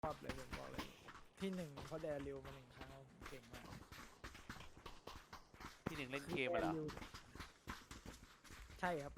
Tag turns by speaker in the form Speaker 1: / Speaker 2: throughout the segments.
Speaker 1: ชอบเลยผมบอกเลยที่หนึ่งเขาแดริวมา1 ครั้งผมเก่งมาก
Speaker 2: ที่หนึ่งเล่นเกมเหรอ
Speaker 1: ใช่ครับ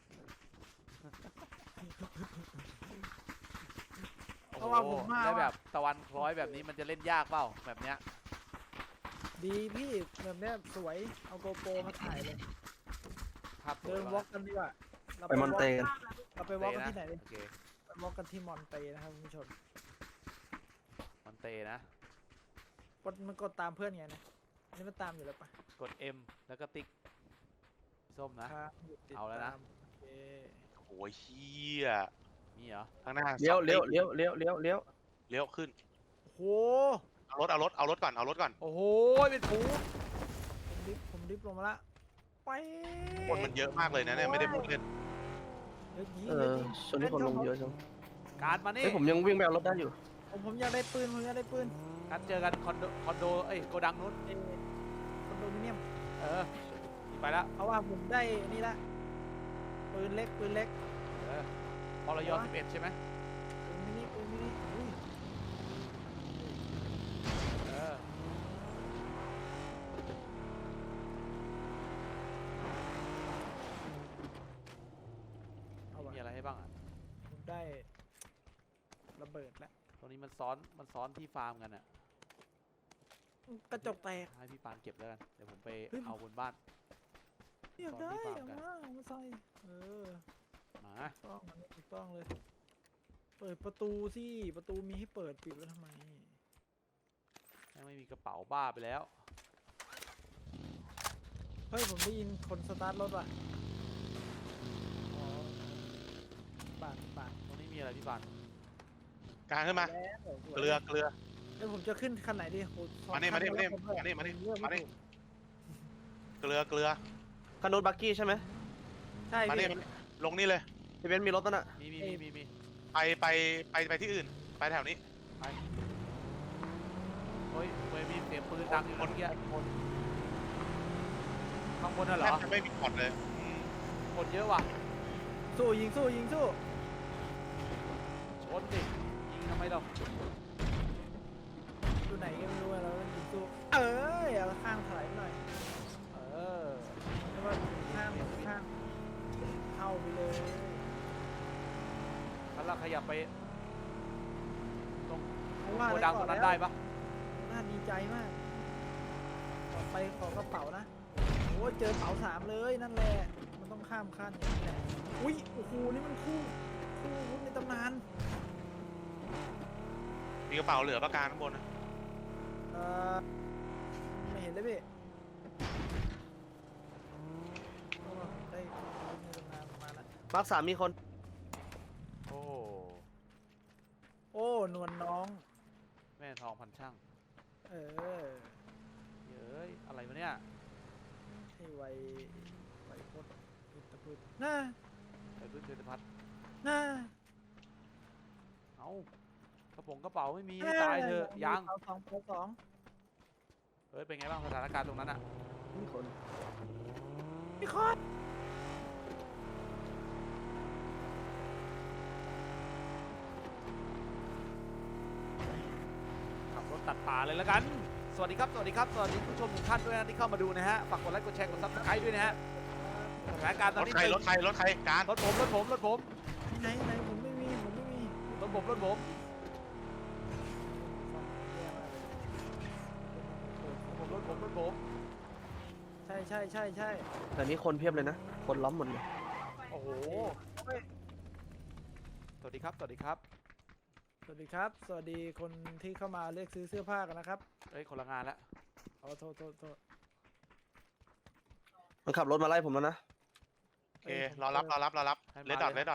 Speaker 1: เพราะว่าผมมา
Speaker 2: แล้วแบบตะวันคล้อยแบบนี้มันจะเล่นยากเปล่าแบบเนี้ย
Speaker 1: ดีพี่แบบเนี้ยสวยเอาโกโปรมาถ่ายเลย
Speaker 2: ภาพสว
Speaker 1: เดิ
Speaker 2: ย
Speaker 1: น
Speaker 2: มาก
Speaker 1: วอล์กกันดีกว่าเรา
Speaker 3: ไปมอนเตกัน
Speaker 1: เราไปวอล์กกันที่ไหนดิ
Speaker 2: โอเค
Speaker 1: ไปวอล์กกันที่มอนเตนะครับคุณผู้ชม
Speaker 2: มันเตนะ
Speaker 1: มันกดตามเพื่อนไงนะอันนี้มันตามอยู่แล้วปะ
Speaker 2: กด M แล้วก็ติ๊กส้มนะ
Speaker 1: ครับติด
Speaker 2: เอาแล้วนะ
Speaker 1: ตมโอเค
Speaker 4: โอ้ยเฮีย
Speaker 2: มีเหรอ
Speaker 4: ข้างหน้า
Speaker 3: เลี้ยว
Speaker 4: สอง
Speaker 3: เลี้ยว
Speaker 4: ติ๊ก
Speaker 3: เลี้ยวเลี้ยวเลี้ยวเลี้ยว
Speaker 4: เลี้ยวขึ้น
Speaker 1: โอ้โห
Speaker 4: เอารถก่อน
Speaker 2: โอ้โหเป็นผู
Speaker 1: ผมดิฟลงมาละไป
Speaker 4: คนมันเยอะมากเลยนะเนี่ยไม่ได้พูดเล่น
Speaker 1: เฮ้ยยิง
Speaker 3: เอ
Speaker 1: เฮ้ย
Speaker 3: อ
Speaker 1: ยิง
Speaker 3: ช่วงนี้คนลงเยอะจัง
Speaker 2: การมานี่
Speaker 3: เฮ้ยผมยังวิ่งไปเอารถได้อยู่
Speaker 1: ผมอยากได้ปืนผมอยากได้ปืน
Speaker 2: การเจอกันคอนโดเอ้ยโกดังนู้น
Speaker 1: คอนโดมิเนียม
Speaker 2: เออไปแล้ว
Speaker 1: เพราะว่าผมได้นี่ละปืนเล็กปืนเล็ก
Speaker 2: เออพลย11ใช่ไหม
Speaker 1: ปืนมินิอุ้ย
Speaker 2: เออ
Speaker 1: เอาวะ
Speaker 2: มีอะไรให้บ้างอ่ะ
Speaker 1: ผมได้ระเบิดละ
Speaker 2: ตรงนี้มันซ้อนที่ฟาร์มกันอ่ะ
Speaker 1: กระจกแตก
Speaker 2: ให้พี่ปานเก็บแล้วกันเดี๋ยวผมไป
Speaker 1: เฮ้ย
Speaker 2: เอาบนบ้าน
Speaker 1: อยากได้
Speaker 2: ตอนที่
Speaker 1: เอา
Speaker 2: ฟาร์มกัน
Speaker 1: มาเอามาใส่
Speaker 2: มา
Speaker 1: ต้องอันนี้ถูกต้องเลย เปิดประตูสิประตูมีให้เปิดปิดไว้ทำไม
Speaker 2: ยังไม่มีกระเป๋าบ้าไปแล้ว
Speaker 1: เฮ้ยผมได้ยินคนสตาร์ทรถว่ะอ๋อปาด
Speaker 2: ตรงนี้มีอะไรพี่ปาน
Speaker 4: กลางขึ้นมา
Speaker 1: แล้วสวย
Speaker 4: เกลือ
Speaker 1: เดี๋ยวผมจะขึ้นคันไหนดีโหสอง
Speaker 4: มานี่
Speaker 1: คั
Speaker 4: มานี่
Speaker 1: แล้วผ
Speaker 4: มานี่
Speaker 1: เลือก
Speaker 4: มานี่
Speaker 1: ไถูก
Speaker 4: เกลือ
Speaker 3: คันรถบักกี้ใช่ไหม
Speaker 1: ใช่
Speaker 4: มา
Speaker 1: พี่
Speaker 4: นี่ลงนี่เลย
Speaker 3: พี่เบนซ์มีรถนั่นน่ะ
Speaker 2: มี
Speaker 4: ไปที่อื่น ไปแถวนี้
Speaker 2: เฮ้ยเว้ยมีเสียงปืนดังอยู่นะเมื่อกี้ข้างบนน่ะเหร
Speaker 4: แทบ
Speaker 2: อ
Speaker 4: จะไม่มีพอร์ตเลยอืม
Speaker 2: คนเยอะว่ะ
Speaker 1: สู้ยิงสู้
Speaker 2: ชนดิยิงทำไมเรา
Speaker 1: อยู่ไหนก็ไม่รู้อะเราต้องยิงสู้เอ้ยเอาข้างถลายไปหน่อย
Speaker 2: เออ
Speaker 1: เรียกว่าข้างเข้าไปเลย
Speaker 2: ถ้าเราขยับไปตรง
Speaker 1: เพราะว่า
Speaker 2: โกดังตรงนั้นได้ปะ
Speaker 1: น่าดีใจมากต่อไปขอกระเป๋านะโอ้ยเจอเป๋า3เลยนั่นแหละมันต้องข้ามขั้นอย่างนี้แหละอุ้ยโอ้โหนี่มันคู่วุ้นในตำนาน
Speaker 4: มีกระเป๋าเหลือประการข้างบนนะ
Speaker 1: เออไม่เห็นเลยพี่เพราะว่าผมได้วุ้นในตำนานมาแล้ว
Speaker 3: มาร์ค 3มีคน
Speaker 2: โอ้
Speaker 1: โอ้นวลน้อง
Speaker 2: แม่ทองพันช่าง
Speaker 1: เออ
Speaker 2: เย้ยอะไรวะเนี่ย
Speaker 1: ให้ไวโคตรอิตาพุทน่า
Speaker 2: ไปพึ่งเทพัฒน์
Speaker 1: น่า
Speaker 2: เอ้ากระเป๋าไม่มีให้ตายเถอะยัง
Speaker 1: เป๋าสอง
Speaker 2: เฮ้ยเป็นไงบ้างสถานการณ์ตรงนั้นอ่ะ
Speaker 3: มีคน
Speaker 1: พี่คอน
Speaker 2: ขับรถตัดป่าเลยแล้วกัน สวัสดีครับ สวัสดีผู้ชมทุกท่านด้วยนะที่เข้ามาดูนะฮะ ฝากกดไลค์กดแชร์กดซับสไครต์ด้วยนะฮะ สถานการณ์ต
Speaker 4: ร
Speaker 2: อน
Speaker 4: ถ
Speaker 2: นี้
Speaker 4: ใครรถใครการ
Speaker 2: รถผม
Speaker 1: ไหนผมไม่มี
Speaker 2: รถผม
Speaker 1: ใช่
Speaker 3: แต่นี้คนเพียบเลยนะ คนล้อมหมดเลย
Speaker 2: โอ้โห สวัสดีครับ
Speaker 1: สวัสดีครับ สวัสดีคนที่เข้ามาเลือกซื้อเสื้อผ้ากันนะครับ
Speaker 2: เฮ้ยคนละงานแล้ว
Speaker 1: อ๋อโทษ
Speaker 3: มันขับรถมาไล่ผมแล้วนะ
Speaker 4: โอเครอรับเลดดอทไห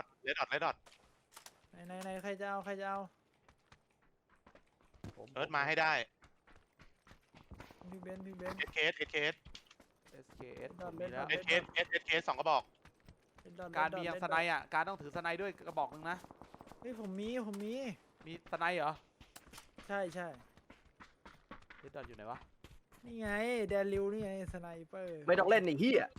Speaker 1: นใครจะเอา
Speaker 4: เอิร์ธมาให้ได้
Speaker 1: พี่เบนซ์
Speaker 4: SKS
Speaker 2: SKS ผมมีแล้ว
Speaker 4: SKS 2 กระบอก
Speaker 2: การมียังสไนอ่ะ การต้องถือสไนด้วยกระบอกหนึ่งนะ
Speaker 1: เฮ้ยผมมี
Speaker 2: มีสไนเหรอ
Speaker 1: ใช่
Speaker 2: เดดดอทอยู่ไหนวะ
Speaker 1: นี่ไงแดริวนี่ไงสไนเปอร์
Speaker 3: ไม่ต้องเล่นไอ้เหี้ย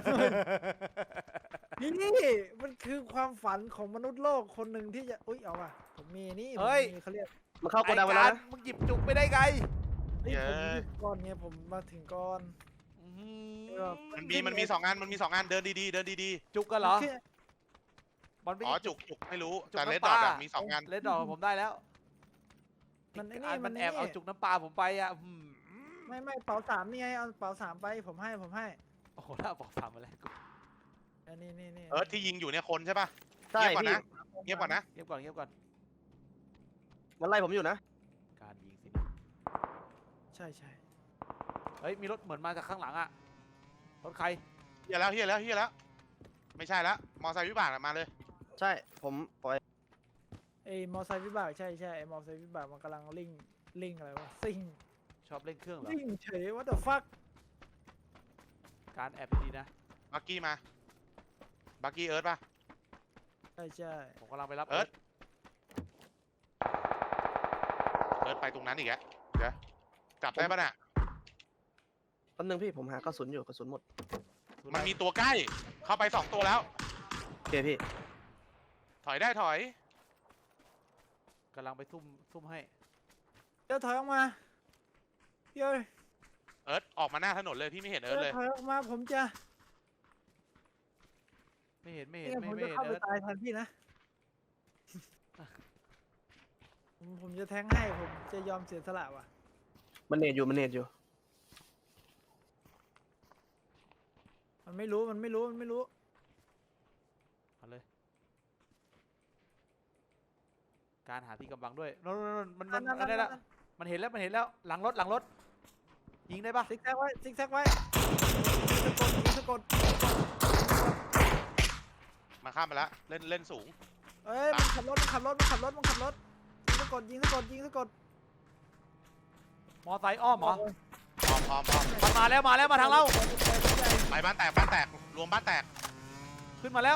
Speaker 1: นี่มันคือความฝันของมนุษย์โลกคนหนึ่งที่จะอุ้ยเอาว่ะผมมีนี่
Speaker 2: เฮ้ย
Speaker 1: ผมมีเขาเรียก
Speaker 3: มันเข้าโกดังไป
Speaker 2: ไอ้
Speaker 3: แล้ว
Speaker 2: การ
Speaker 3: นะ
Speaker 2: มึงหยิบจุกไปได้ไง
Speaker 1: เฮ้ยผมหยิบก่อนไงผมมาถึงก่อน
Speaker 2: อื้อหื
Speaker 1: แบ
Speaker 2: อบ
Speaker 4: มันมีสองงานมันมีสองงานเดินดีๆเดินดี
Speaker 2: จุกกันเหรอ
Speaker 1: แค่
Speaker 2: บอลไม่
Speaker 4: ๆอ๋อจุกไม่รู้
Speaker 2: จุก
Speaker 4: แต่เลด
Speaker 2: น้ำ
Speaker 4: ด
Speaker 2: ป
Speaker 4: อ
Speaker 2: ลา
Speaker 4: ทมีสองงาน
Speaker 2: เลดดอทผมได้แล้ว
Speaker 1: มันไอ้
Speaker 2: อ่าน
Speaker 1: นี่
Speaker 2: มันแอบเอาจุกน้ำปลาผมไปอ่ะอื้อหือ
Speaker 1: ไม่เป๋าสามนี่ไงเอาเป๋าสามไปผมให้
Speaker 2: โอ้โหถ้าบอกสามมาแล้วกู
Speaker 1: อันนี้นี่
Speaker 4: ที่ยิงอยู่เนี่ยคนใช่ป่ะ
Speaker 3: ใช่
Speaker 4: เงียบก่อน
Speaker 3: พี่
Speaker 4: นะ เงียบก่อนนะ
Speaker 2: เงียบก่อนเงียบก่อน
Speaker 3: มันไล่ผมอยู่นะ
Speaker 2: การยิงสินะ
Speaker 1: ใช่
Speaker 2: เฮ้ยมีรถเหมือนมาจากข้างหลังอ่ะรถใคร
Speaker 4: เฮียแล้วไม่ใช่แล้วมอไซค์วิบากมาเลย
Speaker 3: ใช่ผมปล่อย
Speaker 1: ไอ้มอไซค์วิบากใช่ไอ้มอไซค์วิบากมันกำลังลิงอะไรวะซิ่ง
Speaker 2: ชอบเล่นเครื่องเหรอ
Speaker 1: ลิงเฉยว่าแต่ฟัก
Speaker 2: การแอบดีๆนะ
Speaker 4: บักกี้มาบักกี้เอิร์ธป่ะ
Speaker 1: ใช่
Speaker 2: ผมกำลังไปรับ
Speaker 4: เอิร์ธ เอิร์ธไปตรงนั้นอีกแล้วเดี๋ยวจับได้ป่ะน่ะ
Speaker 3: แป๊บนึงพี่ผมหากระสุนอยู่กระสุนหมด
Speaker 4: มันมีตัวใกล้เข้าไป2ตัวแล้ว
Speaker 3: โอเคพี่
Speaker 4: ถอยได้ถอย
Speaker 2: กำลังไปซุ่มให้
Speaker 1: เดี๋ยวถอยออกมาเดี๋ยว
Speaker 4: เอิร์ธออกมาหน้าถนนเลยพี่ไม่เห็นเอิร์ธเลย
Speaker 1: ถอยออกมาผมจะ
Speaker 2: ไม่เห็น
Speaker 1: เนี่ย
Speaker 2: ไม่
Speaker 1: ผม
Speaker 2: เห็
Speaker 1: จะ
Speaker 2: น
Speaker 1: เข้าไป
Speaker 2: เอิร์ธ
Speaker 1: ตายแทนพี่นะ ผมจะแทงให้ผมจะยอมเสียสละว่ะ
Speaker 3: มันเนตอยู่
Speaker 1: มันไม่รู้
Speaker 2: เอาเลย การหาที่กำบังด้วยโน่นมันได้แล้วมันเห็นแล้วหลังรถยิงได้ปะ
Speaker 1: ซิกแซกไว้ยิงสะกด
Speaker 4: มาข้ามไปแล้วเล่นสูง
Speaker 1: เอ้ยมันขับรถยิงสะกด
Speaker 2: มอไซค์อ้อมเหรอ
Speaker 4: พร้อม
Speaker 2: มันมาแล้วมาทางเรา
Speaker 4: ไปบ้านแตกรวมบ้านแตก
Speaker 2: ขึ้นมาแล้ว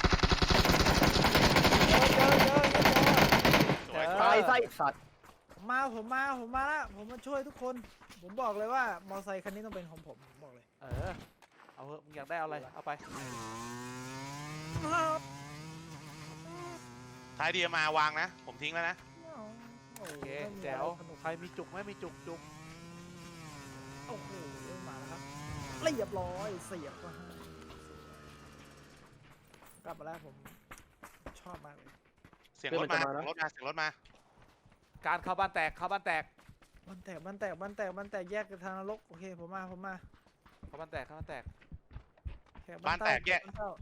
Speaker 4: สวย
Speaker 3: ตายไส้สัตว์
Speaker 1: ผมมาแล้วผมมาช่วยทุกคน ผมบอกเลยว่ามอไซค์คันนี้ต้องเป็นของผมบอกเลย
Speaker 2: เอาเถอะมึงอยากได้เอาอะไรเอาไป
Speaker 4: ท้ายดีมาวางนะ ผมทิ้งแล้วนะ
Speaker 2: โอเคแจ๋วใครมีจุกไหมมีจุก
Speaker 1: โอ้โหมาแล้วครับเรียบร้อยเสียบมาให้กลับมาแล้วผมชอบมากเลย
Speaker 4: เสียงรถมา
Speaker 2: การเข้าบ้านแตก
Speaker 1: บ้านแตกแยกกันทางนรกโอเคผมมา
Speaker 2: เข้าบ้านแตก
Speaker 1: บ้านแตกแยกส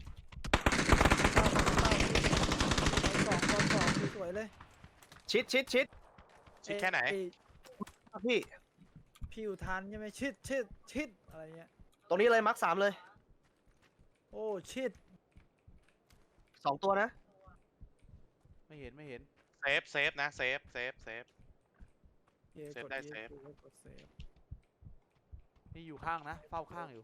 Speaker 1: องสวยเลย
Speaker 3: ชิด
Speaker 4: ชิดแค่ไหน
Speaker 3: พี่
Speaker 1: พี่อุทานใช่ไหมชิดอะไรเงี้ย
Speaker 3: ตรงนี้เลยมาร์ค3เลย
Speaker 1: โอ้ชิด
Speaker 3: 2 ตัวนะ
Speaker 2: ไม่เห็น
Speaker 4: เซฟนะเซฟ
Speaker 1: เซฟ
Speaker 2: นี่อยู่ข้างนะเฝ้าข้างอยู่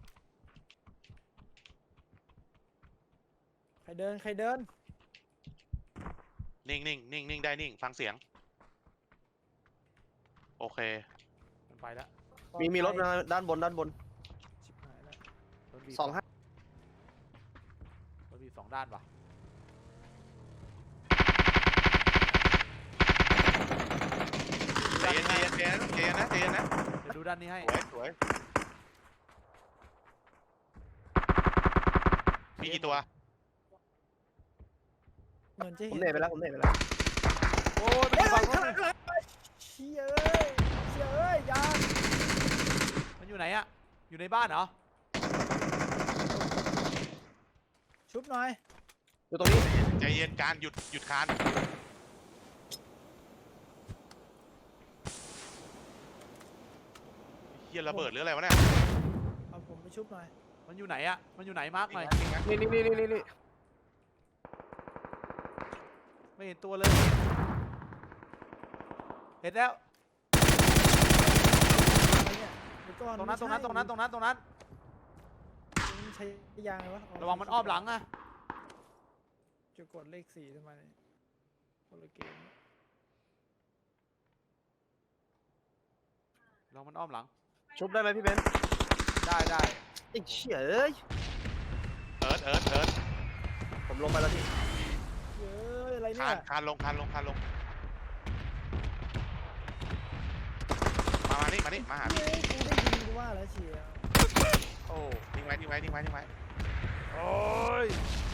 Speaker 1: ใครเดิน
Speaker 4: นิ่งได้นิ่งฟังเสียงโอเค
Speaker 2: มันไปแล้ว
Speaker 3: มีรถมาด้านบน
Speaker 1: ชิบหายแล้ว
Speaker 2: รถบี
Speaker 3: 25
Speaker 2: รถบี2ด้านป่ะ
Speaker 4: ใจเย็นนะ
Speaker 2: เดี๋ยวดูด้านนี้ให้
Speaker 4: สวยมีกี่ตัว
Speaker 1: เหมือนจะ
Speaker 3: ผม
Speaker 1: เห็น
Speaker 3: เนตไปแล้ว
Speaker 2: โอ้ยมันอยู่ฝั่งนู้น
Speaker 1: เชี่ยเอ้ยยา
Speaker 2: มันอยู่ไหนอะอยู่ในบ้านเหรอ
Speaker 1: ชุบหน่อย
Speaker 3: อยู่ตรงนี้
Speaker 4: ใจเย็นการหยุดคานเฮียระเบิดหรืออะไรวะเนี่ย
Speaker 1: เอาผมไปชุบหน่อย
Speaker 2: มันอยู่ไหนอะมันอยู่ไหนมาร์กหน่อย
Speaker 3: นี่
Speaker 2: ไม่เห็นตัวเลย เห็นแล้ว
Speaker 1: อะไรเนี่ยเดี๋ยวก่อน
Speaker 2: ตรงนั้น
Speaker 1: มันใช้ยางไงวะ
Speaker 2: ระวังมันอ้อมหลังอะ
Speaker 1: จะกดเลข4ทำไมเนี่ยคนละเกม
Speaker 2: ระวังมันอ้อมหลัง
Speaker 3: ชุบได้ไหมพี่เบนซ์
Speaker 2: ได้
Speaker 3: ไอ้เชี่ยเอ้ย
Speaker 4: เอิร์ธ
Speaker 3: ผมลงไปแล้วพี่
Speaker 1: เย้ยอะไรเนี่ย
Speaker 4: คานลง
Speaker 1: ม
Speaker 4: นี่มานี่มาหา
Speaker 1: เฮ้
Speaker 4: พี่
Speaker 1: ยกูได้ยินกูว่าแล้วเชียว
Speaker 2: โอ้
Speaker 4: ทิ้งไว้ทิ้งไว้ทิ้งไว้ทิ้งไว้
Speaker 2: โอ้ย